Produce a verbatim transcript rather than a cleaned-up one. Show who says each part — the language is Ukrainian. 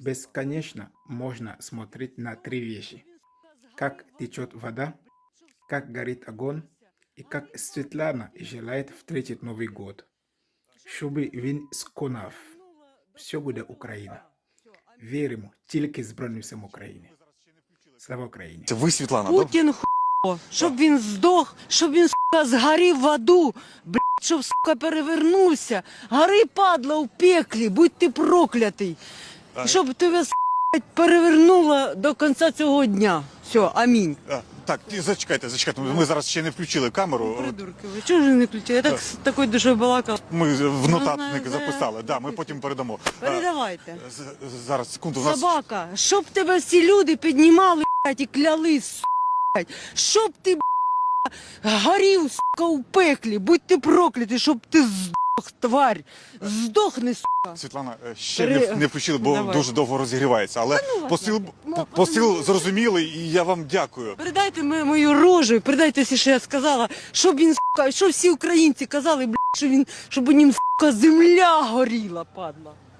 Speaker 1: Бесконечно можно смотреть на три вещи. Как течет вода, как горит огонь и как Светлана желает встретить Новый год. Щоби він сконав. Все буде Україна. Віримо тільки Збройним силам України. Слава Україні!
Speaker 2: Це ви, Світлана, да?
Speaker 3: Путін хуйло, щоб він здох, щоб він, сука, згорів в аду, блядь, щоб, сука, перевернувся. Гори, падла, у пеклі, будь ти проклятий. І щоб тебе, сука, перевернуло до кінця цього дня. Все, амінь.
Speaker 2: А, так, ті- зачекайте, зачекайте. Ми зараз ще не включили камеру.
Speaker 3: Придурки ви, чого ж не включили? Я так з такою душою балакала.
Speaker 2: Ми в нотатник
Speaker 3: знаю,
Speaker 2: записали.
Speaker 3: знаю.
Speaker 2: Да, ми потім передамо. А,
Speaker 3: Передавайте.
Speaker 2: з- Зараз, секунду, у нас...
Speaker 3: Собака, щоб тебе всі люди піднімали, блядь, і кляли, сука, блядь. Щоб ти, блядь, горів, сука, у пеклі, будь ти проклятий, щоб ти здох, тварь. Здохни, сука.
Speaker 2: Світлана, е, ще
Speaker 3: Пере-
Speaker 2: не, не включили, бо
Speaker 3: Давай.
Speaker 2: дуже довго розігрівається. Але посил,
Speaker 3: Ну,
Speaker 2: посил зрозумілий, і я вам дякую.
Speaker 3: Передайте ми- мою рожу, передайте все, що я сказала, щоб він, сука, щоб всі українці казали, блядь, що він, щоб у нім, сука, земля горіла, падла.